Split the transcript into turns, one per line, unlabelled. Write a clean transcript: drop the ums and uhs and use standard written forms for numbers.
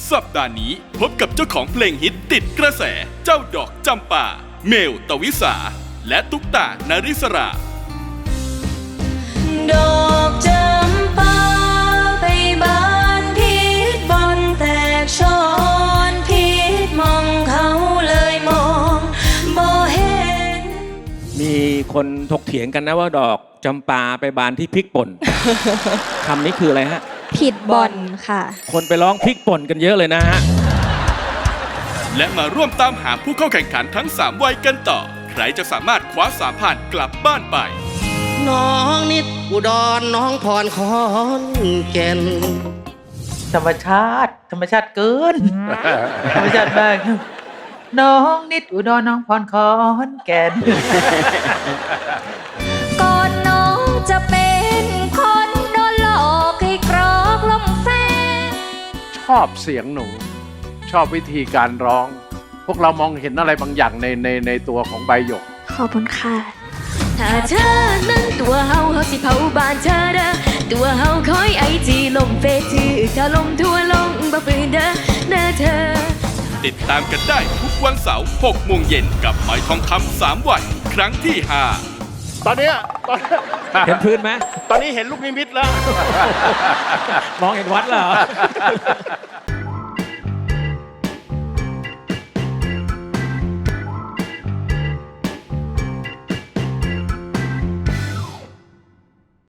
สัปดาห์นี้พบกับเจ้าของเพลงฮิตติดกระแสเจ้าดอกจำปาเมลตวิสาและตุ๊กตานาริสรา
ดอกจำปาไปบานพิษบอนแตกช้อนพิษมองเขาเลยมองบ่เห็น
มีคนถกเถียงกันนะว่าดอกจำปาไปบานที่พริกป่น คำนี้คืออะไรฮะ
ผิดบอลค่ะ
คนไปร้องพริกป่นกันเยอะเลยนะฮะ
และมาร่วมตามหาผู้เข้าแข่งขันทั้ง 3 วัยกันต่อ ใครจะสามารถคว้า3ผ่านกลับบ้านไป
น้องนิดอุดรน้องพรขอนแก่น
ธรรมชาติเกิน ธรรมชาติมากครับน้องนิดอุดรน้องพรขอนแก่น
ก่อนน้องจะเป็นคนโดนหลอกให้กรอกลมแฟน
ชอบเสียงหนู ชอบวิธีการร้อง พวกเรามองเห็นอะไรบางอย่างในตัวของใบหยก
ขอบคุณค่ะ
ถ้าเธอนั้นตัวเฮาสิเผาบ้านเธอเด้อตัวเฮาคอยไอจีลมเฟซชื่อถ้าลมทั่วลงบ่ฝืนเด้อเธอ
ติดตามกันได้ทุกวันเสาร์ 6 โมงเย็นกับหอยทองคำ3 วัน ครั้งที่ 5
ตอนเนี้ย
เห็นพื้นไหม
ตอนนี้เห็นลูกนิมิตแล้ว
มองเห็นวัดแล้วเหรอ